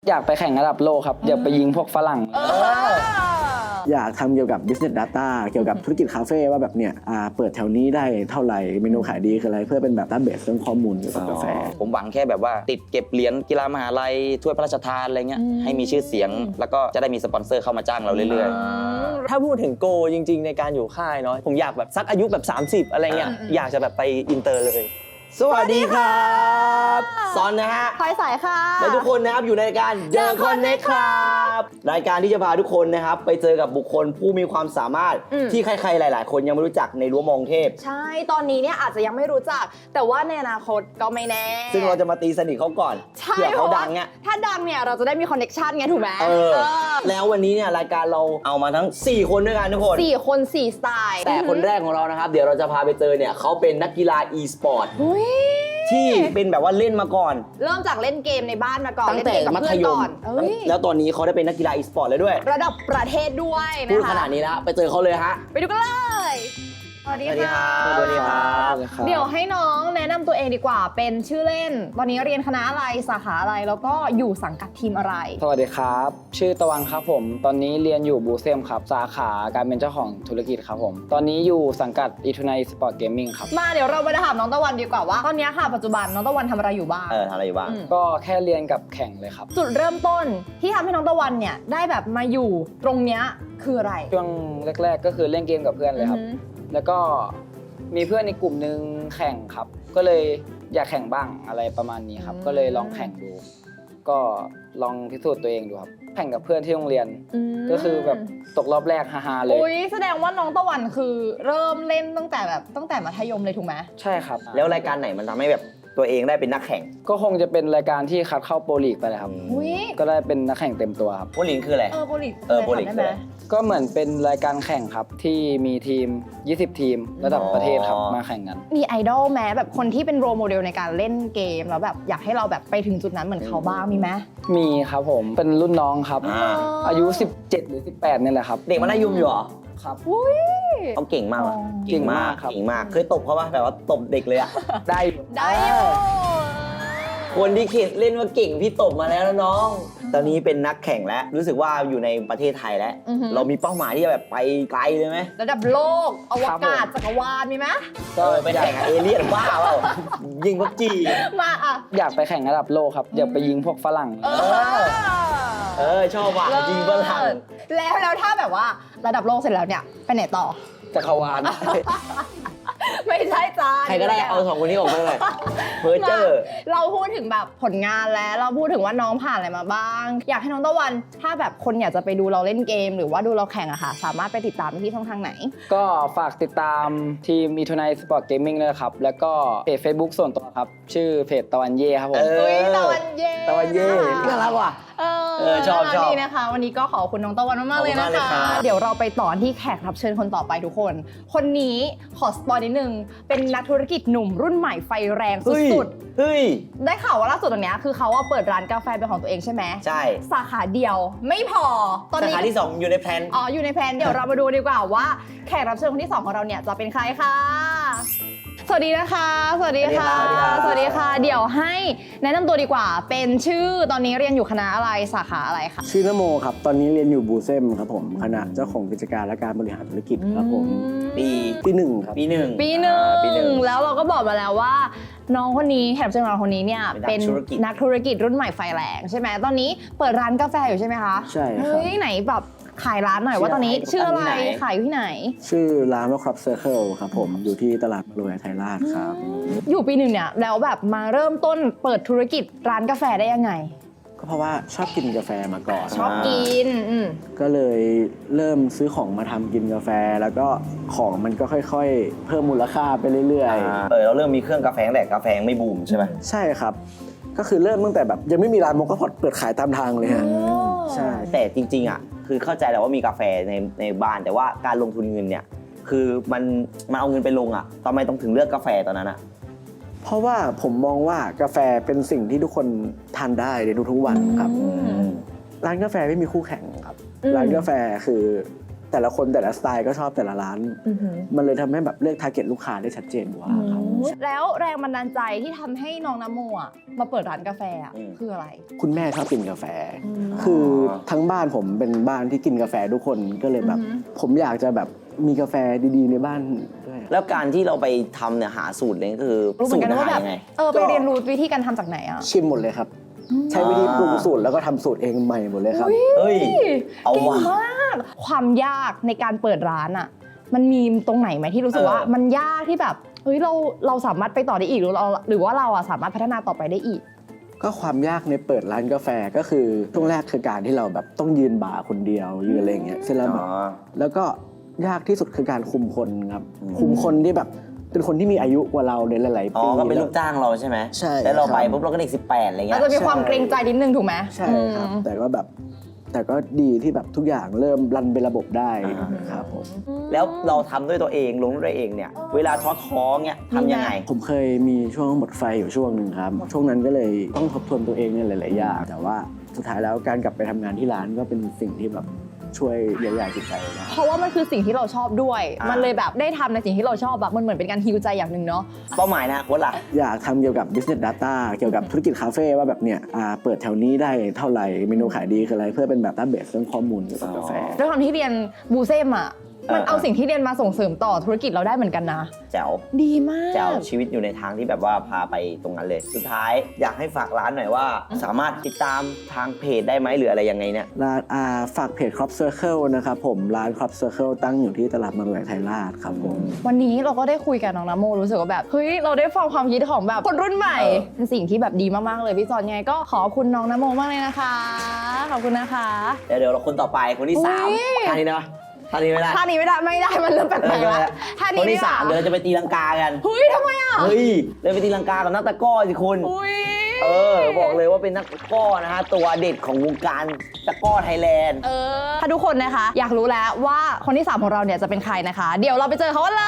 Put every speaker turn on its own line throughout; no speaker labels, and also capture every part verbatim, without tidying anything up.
อยากไปแข่งระดับโลกครับอยากไปยิงพวกฝรั่ง
อยากทำเกี่ยวกับ business data เกี่ยวกับธุรกิจคาเฟ่ว่าแบบเนี่ยเปิดแถวนี้ได้เท่าไหร่เมนูขายดีคืออะไรเพื่อเป็นแบบ database เรื่องข้อมูลเกี่ยวกับกาแฟ
ผมหวังแค่แบบว่าติดเก็บเหรียญกีฬามหาลัยถ้วยพระราชทานอะไรเงี้ยให้มีชื่อเสียงแล้วก็จะได้มีสปอนเซอร์เข้ามาจ้างเราเรื่อยๆ
ถ้าพูดถึงโกจริงๆในการอยู่ค่ายเนาะผมอยากแบบสักอายุแบบสามสิบอะไรเงี้ยอยากจะแบบไปอินเตอร์เลย
สวัสดีครับซอนนะฮะ
พลอยสายค่ะ
และทุกคนนะครับอยู่ในรายการ The Connect ครับรายการที่จะพาทุกคนนะครับไปเจอกับบุคคลผู้มีความสามารถที่ใครๆหลายๆคนยังไม่รู้จักในรั้วมองเทพ
ใช่ตอนนี้เนี่ยอาจจะยังไม่รู้จักแต่ว่าในอนาคตก็ไม่แน่
ซึ่งเราจะมาตีสนิทเขาก่อนเผื่อเขาดังเนี่ย
ถ้าดังเนี่ยเราจะได้มีคอนเนคชั่นไงถูกไหม
เออแล้ววันนี้เนี่ยรายการเราเอามาทั้งสี่คนด้วยกันทุกคน
สี่คนสี่สไตล์
แต่คนแรกของเรานะครับเดี๋ยวเราจะพาไปเจอเนี่ยเขาเป็นนักกีฬา e-sport ที่เป็นแบบว่าเล่นมาก่อน
เริ่มจากเล่นเกมในบ้านมาก่อน
ตั้งแต่มัธยมแล้วตอนนี้เขาได้เป็นนักกีฬา e-sport แล้วด้วย
ระดับประเทศด้วยนะคะ
พูดขนาดนี้แล้วไปเจอเขาเลยฮะ
ไปดูกันเลยสวัสดีค่ะ
สวัสดีครับ
เดี๋ยวให้น้องแนะนำตัวเองดีกว่าเป็นชื่อเล่นตอนนี้เรียนคณะอะไรสาขาอะไรแล้วก็อยู่สังกัดทีมอะไร
สวัสดีครับชื่อตะวันครับผมตอนนี้เรียนอยู่บูเซมครับสาขาการเป็นเจ้าของธุรกิจครับผมตอนนี้อยู่สังกัดอีทูไนสปอร์ตเกมมิ่งครับ
มาเดี๋ยวเราไปถามน้องตะวันดีกว่าว่าตอนนี้ค่ะปัจจุบันน้องตะวันทำอะไรอยู่บ้าง
เออทำอะไรอยู่บ้าง
ก็แค่เรียนกับแข่งเลยครับ
จุดเริ่มต้นที่ทำให้น้องตะวันเนี่ยได้แบบมาอยู่ตรงเนี้ยคืออะไร
ช่วงแรกๆก็คือเล่นเกมกับเพื่อนเลยครับแล้วก็มีเพื่อนในกลุ่มนึงแข่งครับก็เลยอยากแข่งบ้างอะไรประมาณนี้ครับก็เลยลองแข่งดูก็ลองพิสูจน์ตัวเองดูครับแข่งกับเพื่อนที่โรงเรียนก็คือแบบตกรอบแรกฮาๆเลย
อุ้ยแสดงว่าน้องตะวันคือเริ่มเล่นตั้งแต่แบบตั้งแต่มัธยมเลยถูกไหม
ใช่ครับ
แล้วรายการไหนมันทำให้แบบตัวเองได้เป็นนักแข่ง
ก็คงจะเป็นรายการที่คัดเข้าโปรลีกไปเลยครับก็ได้เป็นนักแข่งเต็มตัวครับ
โปรลีกคืออะไร
เออโปรลีก
เออโปรลีก
ได้ไหม
ก็เหมือนเป็นรายการแข่งครับที่มีทีมยี่สิบทีมระดับประเทศครับมาแข่งกัน
มีไอดอลแม้แบบคนที่เป็นโรลโมเดลในการเล่นเกมแล้วแบบอยากให้เราแบบไปถึงจุดนั้นเหมือนเขาบ้างมีไหม
มีครับผมเป็นรุ่นน้องครับอายุสิบเจ็ดหรือสิบแปดนี่แหละครับ
เด็กมัธยมอยู่เหรอ
ครับ
เขาเก่งมาก
เก่งมาก
เก่งมากเคยตบเขาป่ะแบบว่าตบเด็กเลยอะ
ได้
ได้อยู่
คนที่เขียนเล่นว่าเก่งพี่ตบมาแล้วนะน้องตอนนี้เป็นนักแข่งแล้วรู้สึกว่าอยู่ในประเทศไทยแล้วเรามีเป้าหมายที่จะแบบไปไกลเลยไหม
ระดับโลกอวกาศจักรวาลมีไหม
ก็ไปแข่งกับเอเลี่ยนบ้าเปล่ายิงพับจี
มาอ่ะ
อยากไปแข่งระดับโลกครับอยากไปยิงพวกฝรั่ง
เออชอบว่ะยิงฝรั่ง
แล้วแล้วถ้าแบบว่าระดับโลกเสร็จแล้วเนี่ยไปไหนต่อ
จักรวาล
ไม่ใช่จ้า
ใครก็ได้เอาสองคนนี้ออกมาเลยเพอร์เจอร์
เราพูดถึงแบบผลงานแล้วเราพูดถึงว่าน้องผ่านอะไรมาบ้างอยากให้น้องตะวันถ้าแบบคนอยากจะไปดูเราเล่นเกมหรือว่าดูเราแข่งอะค่ะสามารถไปติดตามที่ช่องทางไหน
ก็ฝากติดตามทีม อี ทู ไน Sport Gaming ด้วยครับแล้วก็เพจ Facebook ส่วนตัวครับชื่อเพจตะวันเย่ครับผม
เอ้ยตะวันเย่
ตะวันเย่น่ารักว่ะ
เออชอบชอบนี่นะคะวันนี้ก็ขอบคุณน้องตะวันมากๆเลยนะคะเดี๋ยวเราไปต่อที่แขกรับเชิญคนต่อไปทุกคนคนนี้ขอสปอยนิดนึงเป็นนักธุรกิจหนุ่มรุ่นใหม่ไฟแรงสุด
ๆเฮ้ย
ได้ข่าวว่าล่าสุดตรงนี้คือเขาเปิดร้านกาแฟเป็นของตัวเองใช่ไหม
ใช่
สาขาเดียวไม่พอ
ตอนนี้สาขาที่สองอยู่ในแพลน
อ๋ออยู่ในแพลนเดี๋ยวเรามาดูดีกว่าว่าแขกรับเชิญคนที่สองของเราเนี่ยจะเป็นใครค่ะสวัสดีนะคะสวัสดีค่ะสวัสดีค่ะเดี๋ยวให้แนะนำตัวดีกว่าเป็นชื่อตอนนี้เรียนอยู่คณะอะไรสาขาอะไรคะ
ชื่อนโมครับตอนนี้เรียนอยู่บูเซมครับผมคณะเจ้าของกิจการและการบริหารธุรกิจครับผม
ปี
ปีหนึ่งครับ
ปีหนึ่ง
ปีหนึ่งแล้วเราก็บอกมาแล้วว่าน้องคนนี้แขกรับเชิญของเราคนนี้เนี่ยเป็นนักธุรกิจรุ่นใหม่ไฟแรงใช่ไหมตอนนี้เปิดร้านกาแฟอยู่ใช่ไหมคะ
ใช่ครับ
เฮ้ยไหนแบบขายร้านหน่อยว่าตอนนี้ชื่ออะไรขายอยู่ที่ไหน
ชื่อร้านว่าครับเซอร์เคิลครับผมอยู่ที่ตลาดมารวยไทยราชครับ
อยู่ปีหนึ่งเนี่ยแล้วแบบมาเริ่มต้นเปิดธุรกิจร้านกาแฟได้ยังไง
ก็เพราะว่าชอบกินกาแฟมาก่อน
ชอบกิน
ก็เลยเริ่มซื้อของมาทำกินกาแฟแล้วก็ของมันก็ค่อยๆเพิ่มมูลค่าไปเรื่อย
ๆเออเราเริ่มมีเครื่องกาแฟแต่กาแฟไม่บูมใช่ไหม
ใช่ครับก็คือเริ่มตั้งแต่แบบยังไม่มีร้านโมกาพอตเปิดขายตามทางเลยฮะใช่
แต่จริงๆอ่ะคือเข้าใจแหละว่ามีกาแฟในในบ้านแต่ว่าการลงทุนเงินเนี่ยคือมันมันเอาเงินไปลงอ่ะทำไมต้องถึงเลือกกาแฟตอนนั้นอ่ะ
เพราะว่าผมมองว่ากาแฟเป็นสิ่งที่ทุกคนทานได้ในทุกๆวันครับร้านกาแฟไม่มีคู่แข่งครับร้านกาแฟคือแต่ละคนแต่ละสไตล์ก็ชอบแต่ละร้าน
อือหือ
มันเลยทำให้แบบเลือกทาร์เก็ตลูกค้าได้ชัดเจนกว่าครับ
แล้วแรงบันดาลใจที่ทำให้น้องนโมอ่ะมาเปิดร้านกาแฟอ่ะ
อืม
คืออะไร
คุณแม่ชอบกินกาแฟ
อืม
คือทั้งบ้านผมเป็นบ้านที่กินกาแฟทุกคนก็เลยแบบ
อือหือ
ผมอยากจะแบบมีกาแฟดีๆในบ้านด้วย
แล้วการที่เราไปทำเนี่ยหาสูตรเนี่ยคือ
รู้เหมื
สู
อน
ต
กั
ร
น
อา
ว่า
หา
แบ
ร
บ
ยังไง
เออไปเรียนรู้วิธีการทำจากไหนอ่ะ
ชิมหมดเลยครับ ใช้วิธีปรุงสูตรแล้วก็ทำสูตรเองใหม่หมดเลยครับ
เฮ้ย เอา
เก่ง
ว่ะ
มากความยากในการเปิดร้านอ่ะ มันมีตรงไหนไหมที่รู้สึกว่า
เออ
มันยากที่แบบเฮ้ยเราเราสามารถไปต่อได้อีกหรือเราหรือว่าเราอ่ะสามารถพัฒนาต่อไปได้อีก
ก็ความยากในเปิดร้านกาแฟก็คือช่วงแรกคือการที่เราแบบต้องยืนบาร์คนเดียวยืนอะไรอย่างเงี้ยเสร็จแล้วแบบ
อ๋อ
แล้วก็ยากที่สุดคือการคุมคนครับ
อืม
คุมคนที่แบบเป็นคนที่มีอายุกว่าเราในหลายๆ
อ๋
ปี
อ ก็เป็นลูกจ้างเราใช่ไหม
ใช่
แล้วเราไป
ครับ
ปุ๊บเราก็เด็กสิบแปดอะไร
เรา
เงี้ย
จะมีความเกรงใจนิดนึงถูกไหม
ใช่ครับ
อืม
แต่ก็แบบแต่ก็ดีที่แบบทุกอย่างเริ่มรันเป็นระบบได้
อ่า
ครับผม
แล้วเราทำด้วยตัวเองลงด้วยตัวเองเนี่ย เวลาท้อท้อๆเนี่ยทำยังไง
ผมเคยมีช่วงหมดไฟอยู่ช่วงหนึ่งครับ ช่วงนั้นก็เลยต้องทบทวนตัวเองในหลายๆอย่างแต่ว่าสุดท้ายแล้วการกลับไปทำงานที่ร้านก็เป็นสิ่งที่แบบช่วยเยียวยาจิตใจได้
เพราะว่ามันคือสิ่งที่เราชอบด้วย
อ่ามั
มันเลยแบบได้ทำในสิ่งที่เราชอบแบบมันเหมือนเป็นการฮีลใจอย่างหนึ่งเนาะ
เป้าหมายนะโค้ชล่ะ
อยากทำเกี่ยวกับ business data เกี่ยวกับธุรกิจคาเฟ่ว่าแบบเนี่ยอ่าเปิดแถวนี้ได้เท่าไหร่เมนูขายดีคืออะไรเพื่อเป็นแบบดัตต้าเบสเรื่องข้อมูลเกี่ยวกับกาแฟ
ด้วยความที่เรียนบูเซมอ่ะ มันเอาสิ่งที่เรียนมาส่งเสริมต่อธุรกิจเราได้เหมือนกันนะ
แจ๋ว
ดีมาก
แจ๋วชีวิตอยู่ในทางที่แบบว่าพาไปตรงนั้นเลย สุดท้ายอยากให้ฝากร้านหน่อยว่า สามารถติดตามทางเพจได้ไหมหรืออะไรยังไงเนี่ย
ร้านอ่าฝากเพจ Crop Circle นะครับผมร้าน Crop Circle ตั้งอยู่ที่ตลาดบางแหวนไทยราชครับผม
วันนี้เราก็ได้คุยกับน้องนโมรู้สึกว่าแบบเฮ้ยเราได้ฟังความคิดของแบบคนรุ่นใหม่
เออ
เป็นสิ่งที่แบบดีมากๆเลยพี่จอนยังไงก็ขอบคุณน้องนโมมากเลยนะคะขอบคุณนะคะ
เดี๋ยวเดี๋ยวเราคนต่อไปคนที่สาม
อุ๊ย
ท่านี้นะท่านี้ไม่ได้
ท่านี้ไม่ได้ไม่ได้มันเริ่มแปลกๆแล้วท่า
ค
นี้
นที่
ดีก
สา
ว่
มเดี๋ยวเราจะไปตีลังกากัน
เฮ้ยทำไมอ่ะ
เฮ้ยเราไปตีลังกากับนักตะกร้อสิคุณ
อุ้ย
เออ บอกเลยว่าเป็นนักตะกร้อนะฮะ ตัวเด็ดของวงการตะกร้อไทยแลนด์
เออถ้าทุกคนนะคะ อยากรู้แล้วว่าคนที่สามของเราเนี่ยจะเป็นใครนะคะ เดี๋ยวเราไปเจอเขากันเลย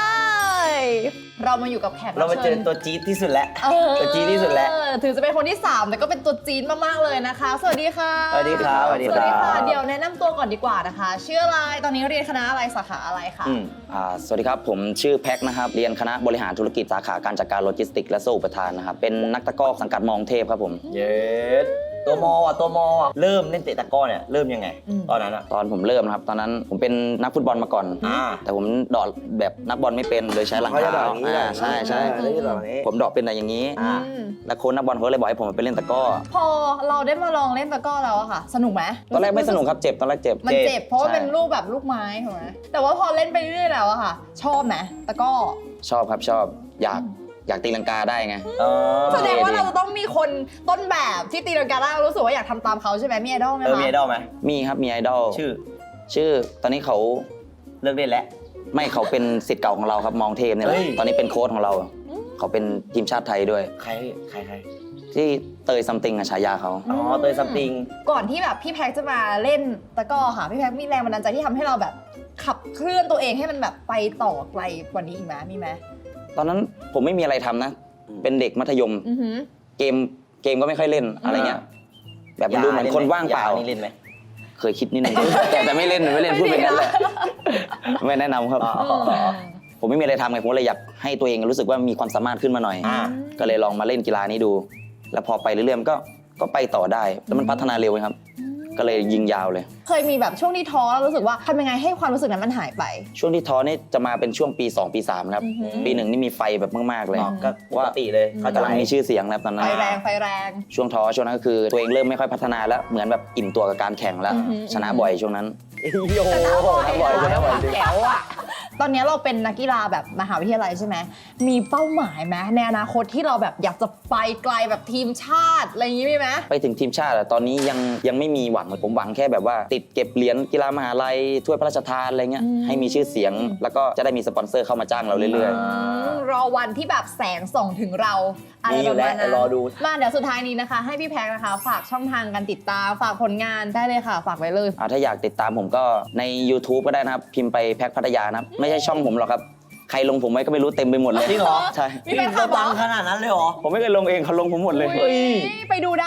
เรามาอยู่กับแขก
เรา
บ
มาเจ
ชิ
อ
ญ
ตัวจี๊ดที่สุดแล้ว
เออ
ตัวจี๊ดที่สุดแล้ว
ถึงจะเป็นคนที่สามแต่ก็เป็นตัวจี๊ดมากๆเลยนะคะ สวัสดีค่ะ
สวัสดีครับสวัสดี
สวัสดี
ครั
ค่ะ
บ
เดี๋ยวแนะนำตัวก่อนดีกว่านะคะ ชื่ออะไรตอนนี้เรียนคณะอะไรสาขาอะไรคะ
อืม
อ่าสวัสดีครับ ผมชื่อแพ็คนะครับ เรียนคณะบริหารธุรกิจสาขาการจัดการโลจิสติกส์และสู้อุปทานนะครับ เป็นนักตะกร้อสังกัดมองเทพครับผม
เย็ดตัวมออ่ะตัวมออ่ะเริ่มเล่นเตะตะกร้อเนี่ยเริ่มยังไง
อืม
ตอนนั้นอ่ะ
ตอนผมเริ่มนะครับ ตอนนั้นผมเป็นนักฟุตบอลมาก่อน
อ่า
แต่ผมเดอดแบบนักบอลไม่เป็นเลยใช้หลัง
เขาจะ
เท้า
ดอกอย่างนี้
อ่าใช่ใช่
เขาจะดอกอย่างนี้
ผมเดอดเป็นอะไรอย่างนี้
อ่า
อืม
แล้วโค้ชนักบอลเขาเลยบอกให้ผมไปเล่นตะกร้อ
พอเราได้มาลองเล่นตะกร้อแล้วอะค่ะ สนุกไหม
ตอนแรกไม่สนุกครับ เจ็บ ตอนแรกเจ็บ
มันเจ็บเพราะว่า
ใช่
เป็นลูกแบบลูกไม้ถูกไหมแต่ว่าพอเล่นไปเรื่อยๆแล้วอะค่ะ ชอบไหมตะกร้อ
ชอบครับชอบอยากอยากตีลังกาได้ไง
อ๋อ
แสดงว่าเราจะต้องมีคนต้นแบบที่ตีลังกาได้เรารู้สึกว่าอยากทำตามเขาใช่ไหมมีไอดอลไหม
เออ
คะ
มีไอดอลไหม
มีครับมีไอดอล
ชื่อ
ชื่อตอนนี้เขา
เลิกเล่นแล้ว
ไม่เขาเป็นศิษย์เก่าของเราครับมองเทพเนี่ยแหละ
เฮ้ย
ตอนนี้เป็นโค้ชของเรา เขาเป็นทีมชาติไทยด้วย
ใครใครใคร
ที่เตยซัมติงอะฉายาเขา
อ๋อเตยซัมติง
ก่อนที่แบบพี่แพ็กจะมาเล่นตะกร้อค่ะพี่แพ็กมีแรงบันดาลใจที่ทำให้เราแบบขับเคลื่อนตัวเองให้มันแบบไปต่อไกลกว่านี้อีกไหมมีไหม
ตอนนั้นผมไม่มีอะไรทำนะ เป็นเด็กมัธยม
อือหือ
เกมเกมก็ไม่ค่อยเล่นอะไรเงี้ย แบบมันดูเหมือนคนว่างเปล่า
นี่เล่นไหม
เคยคิดนิดนึง แต่แต่ไม่เล่นไม่เล่นพูดเป็นนั้นแหละไม่แนะนำครับ
อ๋ออ๋ออ๋อ
ผมไม่มีอะไรทำไงผมเลยอยากให้ตัวเองรู้สึกว่ามีความสามารถขึ้นมาหน่อย
อ่า
ก็เลยลองมาเล่นกีฬานี้ดู แล้วพอไปเรื่อยๆมันก็ก็ไปต่อได้แล้วมันพัฒนาเร็วครับ ก็เลยยิงยาวเลย
เคยมีแบบช่วงที่ท้อแล้วรู้สึกว่าทำยังไงให้ความรู้สึกนั้นมันหายไป
ช่วงที่ท้อนี่จะมาเป็นช่วงปีสองปีสามครับ
อือหือ
ปีหนึ่งนี่มีไฟแบบมากๆเลย
อ๋อก็ปกติเลยเขาจะ
กำลัง
ไล่
มีชื่อเสียงแล้วตอนนั้
ไฟ
น
แรงไฟแรง
ช่วงท้อช่วงนั้นก็คือตัวเองเริ่มไม่ค่อยพัฒนาแล้วเหมือนแบบอิ่มตัวกับการแข่งแล้ว
อือหือ
ชนะบ่อยช่วงนั้น
โอ้โหนักบอลชนะบอลจริง
แก้วอะตอนนี้เราเป็นนักกีฬาแบบมหาวิทยาลัยใช่ไหมมีเป้าหมายไหมในอนาคตที่เราแบบอยากจะไปไกลแบบทีมชาติอะไรอย่างนี้มีไหม
ไปถึงทีมชาติอะตอนนี้ยังยังไม่มีหวังผมหวังแค่แบบว่า ติดเก็บเหรียญกีฬามหาลัยถ้วยพระราชทานอะไรเงี้ย
อืม
ให้มีชื่อเสียง แล้วก็จะได้มีสปอนเซอร์เข้ามาจ้างเราเรื่อย
อืมรอวันที่แบบแสงส่องถึงเราอะไร
มีอ
ป
ยู่
ระ
แล้
มาว ณนั้น
รอดู
มาเดี๋ยวสุดท้ายนี้นะคะ ให้พี่แพ็คนะคะ ฝากช่องทางการติดตามฝากผลงานได้เลยค่ะ ฝากไว้เลย
ๆอ่าถ้าอยากติดตามผมก็ใน YouTube ก็ได้นะครับ พิมพ์ไปแพ็คพัทยานะครับ ไม่ใช่ช่องผมหรอกครับ ใครลงผมไว้ก็ไม่รู้เต็มไปหมดเลย
จริงเหรอ
ใช่
มีแฟนคลับเหรอ
ดังขนาดนั้นเลยเหรอ
ผมไม่เคยลงเองเขาลงผมหมดเลย
อุ๊ยไปดูได้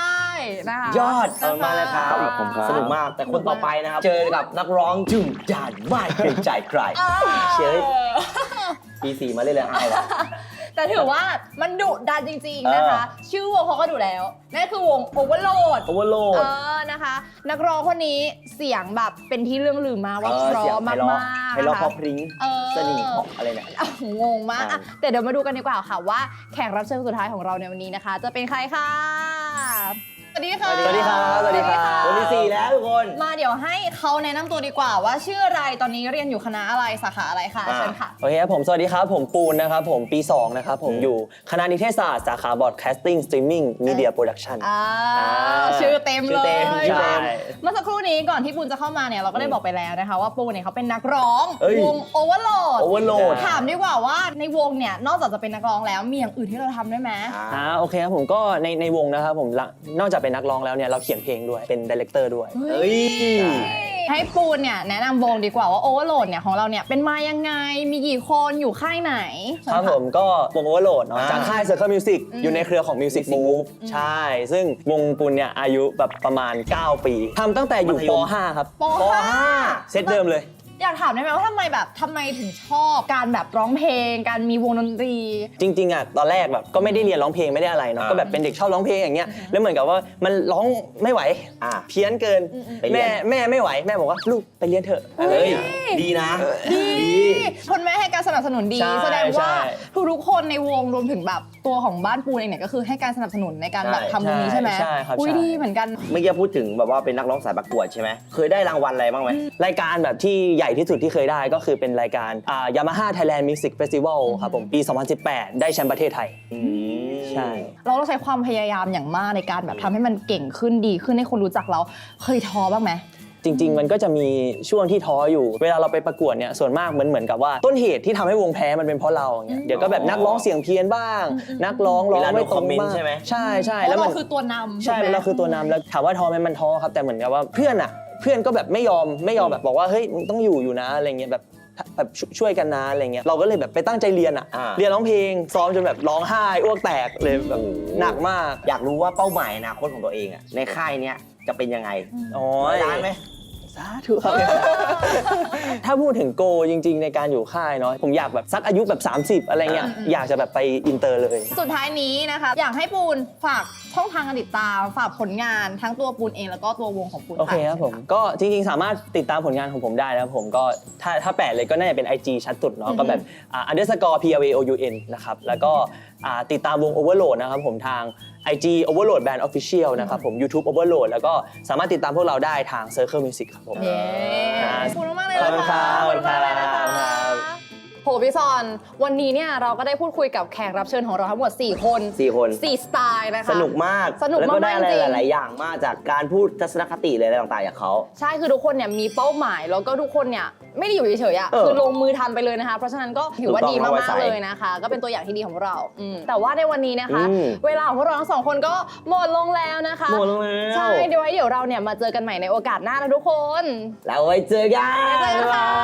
นะคะ
ยอดเอามาเลยครับ
ขอบคุณครับ
สนุกมากแต่คนต่อไปนะครับ เจอกับนักร้องจุ่มจานไม่เกรงใจใครเชยปีสี่มาเล่นเลยไอ้วะ
แต่ถือว่ามันดุดันจริงๆนะคะ ชื่อวงเขาก็ดุแล้วนั่นคือวง Overload
โอเวอร์โหล
เอ
ด
อนะคะ นักร้องคนนี้เสียงแบบเป็นที่เรื่องลือมากว่าเพราะมากๆ
ไพเราะ
นะ
เพ
คะ
ราะพริ้ง
เออ
สนิทเพราะอะไรเนี่ย
อ้าวงงมากอ่ะแต่เดี๋ยวมาดูกันดีกว่าค่ะว่าแขกรับเชิญสุดท้ายของเราในวันนี้นะคะ จะเป็นใครค่ะสวัสดีค่ะ
สวัสดีครับสวัสดีครับ
คนที่สี่แล้วทุกคน
มาเดี๋ยวให้เขาแนะนำตัวดีกว่าว่าชื่ออะไรตอนนี้เรียนอยู่คณะอะไรสาขาอะไรคะ
อ่า
เชิญค่ะ
โอเคครับผมสวัสดีครับผมปูนนะครับผมปีสองนะครับผม
อืม
อยู่คณะนิเทศศาสตร์สาขา Broadcasting Streaming Media Production
อ่า
อ่า
ชื่อเต็ม
ชื่
เล
อย เต็มชื่อเต็ม
เมื่อสักครู่นี้ก่อนที่ปูนจะเข้ามาเนี่ยเราก็ได้บอกไปแล้วนะคะว่าปูนเนี่ยเขาเป็นนักร้อง
เอ้ย
วง Overload
โอเวอร์โหลด
ถามดีกว่าว่าในวงเนี่ยนอกจากจะเป็นนักร้องแล้วมีอย่างอื่นที่เราทำด้วยไหม
อ่าโอเคครับผมก็ในในวงนะครับผมละนอกจากเป็นนักร้องแล้วเนี่ยเราเขียนเพลงด้วยเป็นดีเลกเตอร์ด้วย
เอ้ย
ให้ปูนเนี่ยแนะนำวงดีกว่าว่า Overload เนี่ยของเราเนี่ยเป็นมายังไงมีกี่คนอยู่ค่ายไหน
ครับผมก็วง Overload เนาะ
อ่า
จากค่าย Circle Music
อืม
อยู่ในเครือของ Music
Music
Move
Move
ใช่ ซึ่งวงปุณเนี่ยอายุแบบประมาณ เก้า ปีทำตั้งแต่อยู่
มัธย
ป
ม
ห้าครับ
ป
ป
ห้า
ห้า
เซตเดิมเลย
อยากถามได้ไหมว่าทำไมแบบทำไมถึงชอบการแบบร้องเพลง การมีวงดนตรี
จริงๆอ่ะตอนแรกแบบก็ไม่ได้เรียนร้องเพลงไม่ได้อะไรเนาะ
อ่า
ก็แบบเป็นเด็กชอบร้องเพลงอย่างเงี้ยแล้วเหมือนกับว่ามันร้องไม่ไหว
อ่า
เพี้ยนเกิน
ไปเรี
แม่
ยน
แม่ไม่ไหวแม่บอกว่าลูกไปเรียนเถอะอะไร
เฮ้ย
อย่างเงี้ย
ดีนะ
ดีคนแม่ให้การสนับสนุนดี
ใช่
แสดงว่า
ใช่
ทุกๆคนในวงรวมถึงแบบตัวของบ้านปูนเองเนี่ยก็คือให้การสนับสนุนในการแบบ
ใช่
ทำวงนี้ใช่ไหม
ใช่ครับ
อุ้ย
ใช่
ดีเหมือนกัน
เมื่อกี้พูดถึงแบบว่าเป็นนักร้องสายประกวดใช่ไหมเคยได้รางวัลอะไรบ้างไหม
รายการแบบที่ใหญ่ที่สุดที่เคยได้ก็คือเป็นรายการอ่า Yamaha Thailand Music Festival ครับผมปี สองพันสิบแปด ได้แชมป์ประเทศไทย
อืม
ใช่
เราต้องใช้ความพยายามอย่างมากในการแบบทำให้มันเก่งขึ้นดีขึ้นให้คนรู้จักเราเคยท้อบ้างไหม
จริง ๆ มันก็จะมีช่วงที่ท้ออยู่ เวลาเราไปประกวดเนี่ยส่วนมากเหมือนเหมือนกับว่าต้นเหตุที่ทำให้วงแพ้มันเป็นเพราะเราอย่างเงี้ยเดี๋ยวก็แบบนักร้องเสียงเพี้ยนบ้าง นักร้องร้องไม่ตรงบ้าง
ใช่ไหม
ใช่ใช่
เพ
แล้ว
ราะ
มั
เรา
น
คือตัวนำ
ใช่
ถูกไหม
เราคือตัวนำแล้วถามว่าท้อไหมมันท้อครับแต่เหมือนกับว่าเพื่อนอ่ะเพื่อนก็แบบไม่ยอมไม่ยอมแบบบอกว่าเฮ้ยมึงต้องอยู่อยู่นะอะไรเงี้ยแบบแบบช่วยกันนะอะไรเงี้ยเราก็เลยแบบไปตั้งใจเรียนอ่ะ
อ่า
เรียนร้องเพลงซ้อมจนแบบร้องไห้อ้วกแตกเลยแบบหนักมาก
อยากรู้ว่าเป้าหมายอนาคตของตัวเองอะในค่ายเนี้ยจะเป็นยังไง
โอ้
ร้อย
ย
ล้านไหม
สาธุครับ ถ้าพูดถึงโกจริง ๆ ในการอยู่ค่ายเนาะผมอยากแบบสักอายุแบบ สามสิบ อะไรเงี้ยอยากจะแบบไปอินเตอร์เลย
สุดท้ายนี้นะคะอยากให้ปูนฝากช่องทางการติดตามฝากผลงานทั้งตัวปูนเองแล้วก็ตัววงของปูน
โอเคครับผมก็จริงๆ สามารถติดตามผลงานของผมได้นะครับผมก็ถ้าถ้าแปะเลยก็น่าจะเป็น ไอ จี ชัดสุดเนาะก็แบบอ่า underscore p l a o u n นะครับแล้วก็อ่าติดตามวง Overload นะครับผมทาง ไอ จี Overload Band Official นะครับผม YouTube Overload แล้วก็สามารถติดตามพวกเราได้ทาง Circle Music ครับผม
เย้ขอบคุณมากๆเลย
ขอบคุณ
นะ
ครั
คะ
บ
ขอบคุณมากเลยนะ
ขอบคุณครั
คะ
บ
โหพี่ซอนวันนี้เนี่ยเราก็ได้พูดคุยกับแขกรับเชิญของเราทั้งหมดสี่คน
สี่คน
สี่สไตล์นะคะ
สนุกมาก
สนุก
แล้วก็ได้
มากๆ
อะไร
จริง
หลาย ๆ อย่างมากจากการพูดทัศนคติเลยอะไรต่าง ๆ จากเขา
ใช่คือทุกคนเนี่ยมีเป้าหมายแล้วก็ทุกคนเนี่ยไม่ได้อยู่เฉยๆอ่ะ
เออ
คือลงมือทำไปเลยนะคะเพราะฉะนั้นก็ถือว่า
ถูกต้อง
ดี
เอาไว้
มาก
ใส่
ๆเลยนะคะ ก็เป็นตัวอย่างที่ดีของพวกเราอืมแต่ว่าในวันนี้นะคะ
อืม
เวลาของพวกเราทั้งสองคนก็หมดลงแล้วนะคะ
หมดลงแล้ว
ใช่เดี๋ยวไว้เดี๋ยวเราเนี่ยมาเจอกันใหม่ในโอกาสหน้านะทุกคน
แล้วไว้เจอกัน
ไว้เจอกันค่ะ